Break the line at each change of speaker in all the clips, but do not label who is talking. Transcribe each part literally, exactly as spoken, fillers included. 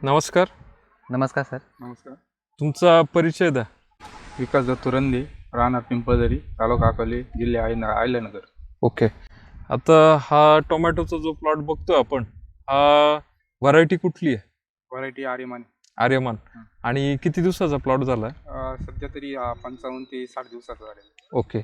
नमस्कार.
नमस्कार सर.
नमस्कार.
तुमचा परिचय द्या.
विकास दत्तू रंदे, राहणार पिंपळदरी, तालुका अकोले, जिल्हा अहिल्यानगर.
ओके. आता हा टोमॅटोचा जो प्लॉट बघतोय आपण, हा व्हरायटी कुठली आहे?
व्हरायटी आर्यमान.
आर्यमान. आणि किती दिवसाचा प्लॉट झालाय?
सध्या तरी पंचावन्न ते साठ दिवसाचा झालेला.
ओके.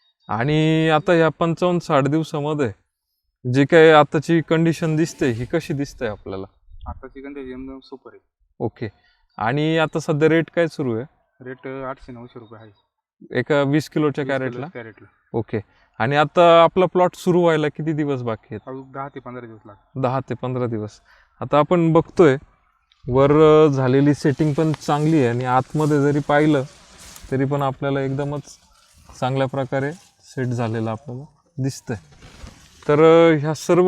आणि आता या पंचावन्न साठ दिवसामध्ये जी काही आताची कंडिशन दिसते ही कशी दिसते आपल्याला?
आताची कंडिशन एकदम सुपर आहे.
ओके. आणि आता सध्या रेट काय सुरू आहे?
रेट आठशे नऊशे रुपये आहे
एका वीस किलोच्या कॅरेटला.
कॅरेटला.
ओके. आणि आता आपला प्लॉट सुरू व्हायला किती दिवस बाकी आहेत?
अजून दहा ते पंधरा दिवस लागतात.
दहा ते पंधरा दिवस. आता आपण बघतोय वर झालेली सेटिंग पण चांगली आहे आणि आतमध्ये जरी पाहिलं तरी पण आपल्याला एकदमच चांगल्या प्रकारे सेट झालेलं आपल्याला दिसतंय. तर ह्या सर्व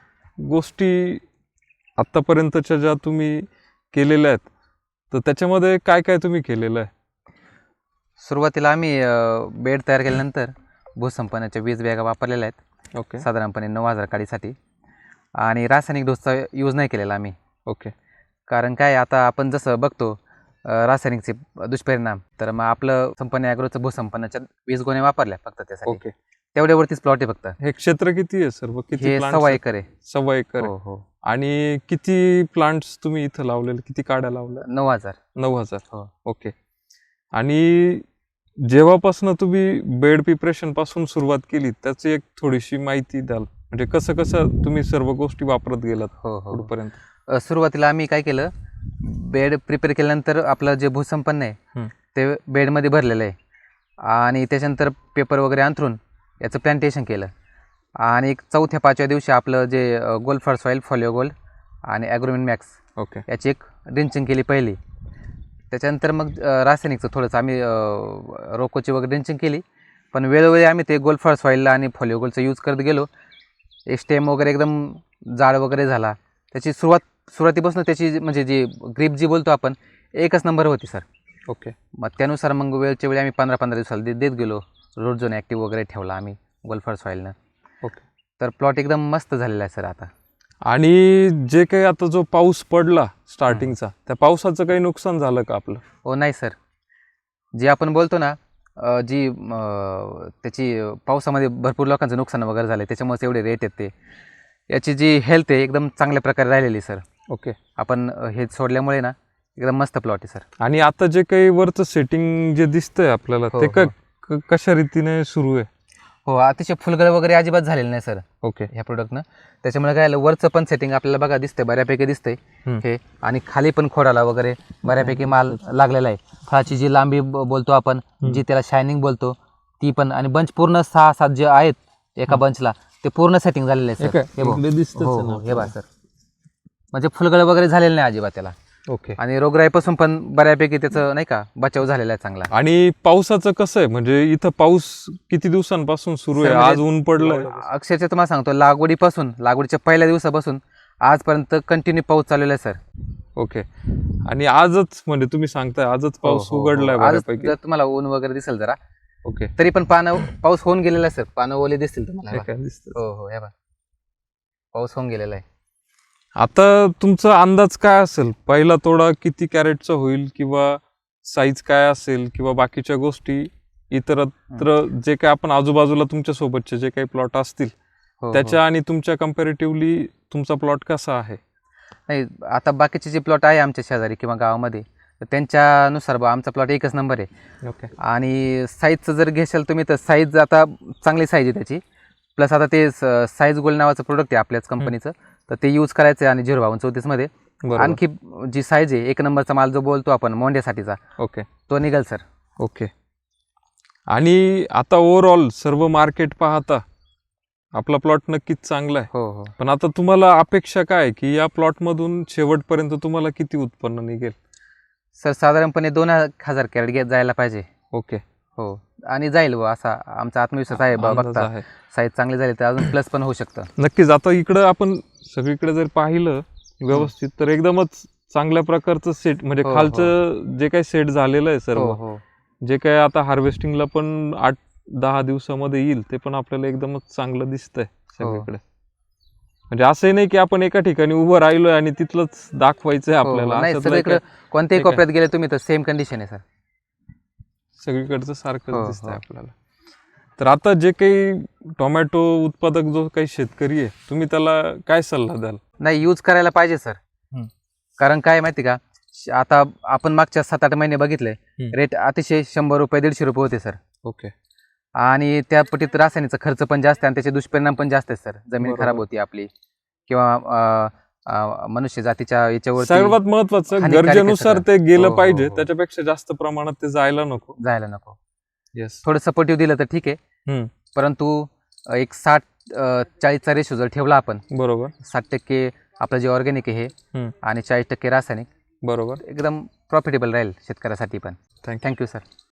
गोष्टी आत्तापर्यंतच्या ज्या तुम्ही केलेल्या आहेत तर त्याच्यामध्ये काय काय तुम्ही केलेलं आहे?
सुरुवातीला आम्ही बेड तयार केल्यानंतर भूसंपन्नाच्या वीज बॅगा वापरलेल्या आहेत.
ओके.
साधारणपणे नऊ हजार काडीसाठी. आणि रासायनिक डोसचा यूज नाही केलेला आम्ही.
ओके.
कारण काय आता आपण जसं बघतो रासायनिकचे दुष्परिणाम, तर मग आपलं संपन्न ॲग्रोचं भूसंपन्नाच्या वीस गोणे वापरल्या फक्त त्यासाठी.
ओके.
तेवढ्यावरतीच प्लॉट आहे फक्त.
हे क्षेत्र किती आहे सर्व? किती
हे
प्लांट्स
सव्वा
आहेत?
एकर आहे.
सव्वा एकर
हो
आहे.
हो.
आणि किती प्लांट्स तुम्ही इथं लावलेले? किती काड्या लावल्या?
नऊ हजार.
नऊ हजार.
हो.
ओके. आणि जेव्हापासून तुम्ही बेड प्रिपरेशन पासून सुरुवात केली त्याची एक थोडीशी माहिती द्याल, म्हणजे कसं कसं तुम्ही सर्व गोष्टी वापरत गेलात
हो हो.
पुढपर्यंत?
सुरुवातीला आम्ही काय केलं, बेड प्रिपेअर केल्यानंतर आपलं जे भूसंपन्न आहे ते बेडमध्ये भरलेलं आहे. आणि त्याच्यानंतर पेपर वगैरे अंथरून याचं प्लॅन्टेशन केलं. आणि एक चौथ्या पाचव्या दिवशी आपलं जे gold for soil, folio gold आणि ॲग्रोमिन मॅक्स
ओके.
याची एक ड्रिंचिंग केली पहिली. त्याच्यानंतर मग रासायनिकचं थोडंसं आम्ही रोकोची वगैरे ड्रिंचिंग केली. पण वेळोवेळी आम्ही ते गोल्ड फॉर सॉईलला आणि फॉलिओ गोल्डचं यूज करत गेलो. एक स्टेम वगैरे एकदम जाड वगैरे झाला. त्याची सुरुवात सुरुवातीपासून त्याची म्हणजे जी ग्रीप जी बोलतो आपण एकच नंबर होती सर.
ओके.
मग त्यानुसार मग वेळच्या वेळी आम्ही पंधरा पंधरा दिवसाला देत देत गेलो. रोड झोन ॲक्टिव्ह वगैरे ठेवला आम्ही गोल्ड फॉर सॉईलनं.
ओके.
तर प्लॉट एकदम मस्त झालेला आहे सर आता.
आणि जे काही आता जो पाऊस पडला स्टार्टिंगचा, त्या पावसाचं काही नुकसान झालं का आपलं?
हो नाही सर. जे आपण बोलतो ना जी त्याची पावसामध्ये भरपूर लोकांचं नुकसान वगैरे झालं, त्याच्यामुळेच एवढे रेट आहेत. ते याची जी हेल्थ आहे एकदम चांगल्या प्रकारे राहिलेली सर.
ओके.
आपण हे सोडल्यामुळे ना एकदम मस्त प्लॉट आहे सर.
आणि आता जे काही वरचं सेटिंग जे दिसतंय आपल्याला
हो,
ते
हो.
क कशा रीतीने सुरू आहे?
हो, अतिशय फुलगळ वगैरे अजिबात झालेलं नाही सर
ओके.
ह्या प्रोडक्टनं. त्याच्यामुळे काय झालं, वरचं पण सेटिंग आपल्याला बघा दिसतंय, बऱ्यापैकी दिसतंय हे. आणि खाली पण खोडाला वगैरे बऱ्यापैकी माल लागलेला आहे. फळाची जी लांबी ब- बोलतो आपण, जी त्याला शायनिंग बोलतो ती पण. आणि बंच पूर्ण सहा सात जे आहेत एका बंचला ते पूर्ण सेटिंग झालेलं आहे सर. हे बघ. हो हो, हे बघा सर. म्हणजे फुलगळ वगैरे झालेलं नाही अजिबात त्याला.
ओके.
आणि रोगराईपासून पण बऱ्यापैकी त्याचं नाही का बचाव झालेला आहे चांगला.
आणि पावसाचं कसं आहे, म्हणजे इथं पाऊस किती दिवसांपासून सुरू आहे?
सर, म्हणजे
आज ऊन पडलंय.
अक्षरशः तुम्हाला सांगतो, लागवडीपासून लागवडीच्या पहिल्या दिवसापासून आजपर्यंत कंटिन्यू पाऊस चाललेला आहे सर.
ओके. आणि आजच म्हणजे तुम्ही सांगताय आजच पाऊस
हो, हो,
उघडलाय
हो. आज
बऱ्यापैकी.
जर तुम्हाला ऊन वगैरे दिसेल जरा,
ओके.
तरी पण पानं पाऊस होऊन गेलेला आहे सर. पानं ओले दिसतील तुम्हाला. हे
हे
बघा.
काय दिसतं?
हो हो, हे बघा, पाऊस होऊन गेलेला आहे.
आता तुमचा अंदाज काय असेल, पहिला तोडा किती कॅरेटचा होईल, किंवा साईज काय असेल, किंवा बाकीच्या गोष्टी इतरत्र जे काय आपण आजूबाजूला तुमच्या सोबतचे जे काही प्लॉट असतील
हो, हो.
त्याच्या आणि तुमच्या कम्पॅरेटिव्हली तुमचा प्लॉट कसा आहे?
नाही, आता बाकीचे जे प्लॉट आहे आमच्या शेजारी किंवा गावामध्ये, तर त्यांच्यानुसार बा आमचा प्लॉट एकच नंबर आहे.
ओके.
आणि साईजचं जर घेशाल तुम्ही तर साईज आता चांगली साईज आहे त्याची. प्लस आता ते साईज गोल्ड नावाचं प्रोडक्ट आहे आपल्याच कंपनीचं, तर ते यूज करायचं आहे. आणि झिरो बावन्न चौतीसमध्ये आणखी जी साईज आहे एक नंबरचा माल जो बोलतो आपण मोंड्यासाठीचा,
ओके.
तो निघेल सर.
ओके. आणि आता ओव्हरऑल सर्व मार्केट पाहता आपला प्लॉट नक्कीच चांगला आहे.
हो हो.
पण आता तुम्हाला अपेक्षा काय की या प्लॉटमधून शेवटपर्यंत तुम्हाला किती उत्पन्न निघेल?
सर साधारणपणे दोन हजार कॅरेट घेत जायला पाहिजे.
ओके.
हो. आणि जाईल बा असा आमचा आत्मविश्वास आहे. बा
अंदाज
बघता
आहे.
साईज चांगली झाली तर अजून प्लस पण होऊ शकतं.
नक्कीच. आता इकडं आपण सगळीकडे जर पाहिलं व्यवस्थित तर एकदमच चांगल्या प्रकारचं सेट, म्हणजे
हो, हो.
खालचं जे काही सेट झालेलं आहे
हो
सर्व,
हो.
जे काही आता हार्वेस्टिंगला पण आठ दहा दिवसामध्ये येईल ते पण आपल्याला एकदमच चांगलं दिसतंय सगळीकडे. म्हणजे असंही नाही की आपण एका ठिकाणी उभं राहिलोय आणि तिथलंच दाखवायचंय
हो,
आपल्याला.
नाही
अशातलं
सगळीकडे
काय-
कोणत्याही
ते काय-
कोपऱ्यात गेले तुम्ही तर सेम कंडिशन आहे सर.
सगळीकडचं सारखंच
हो,
दिसतंय
हो.
आपल्याला. तर आता जे काही टोमॅटो उत्पादक जो काही शेतकरी आहे, तुम्ही त्याला काय सल्ला द्याल?
नाही यूज करायला पाहिजे सर.
हम्म.
कारण काय माहिती का, श- आता आपण मागच्या सात आठ महिने बघितले
हम्म.
रेट अतिशय शंभर रुपये दीडशे रुपये होते सर.
ओके.
आणि त्या पटीत रासायनिकचा खर्च पण जास्त आहे आणि त्याचे दुष्परिणाम पण जास्त आहेत सर. जमीन
बरोबर.
खराब होती आपली किंवा अं, अं, मनुष्य जातीच्या याच्यावरती
सर्वात महत्वाचं
हानिकारक आहे
गरजेनुसार
सगळं.
ते गेलं
हो, हो,
पाहिजे,
हो.
त्याच्यापेक्षा जास्त प्रमाणात ते जायला नको.
जायला नको.
येस.
थोडं सपोर्टिव्ह दिलं तर ठीक आहे.
हम्म.
परंतु अं, एक साठ अं, चाळीसचा रेशो जर ठेवला आपण,
बरोबर.
साठ टक्के आपलं जे ऑर्गॅनिक आहे हे
हम्म.
आणि चाळीस टक्के रासायनिक,
बरोबर.
एकदम प्रॉफिटेबल राहील शेतकऱ्यासाठी पण.
थँक्यू.
Thank you sir.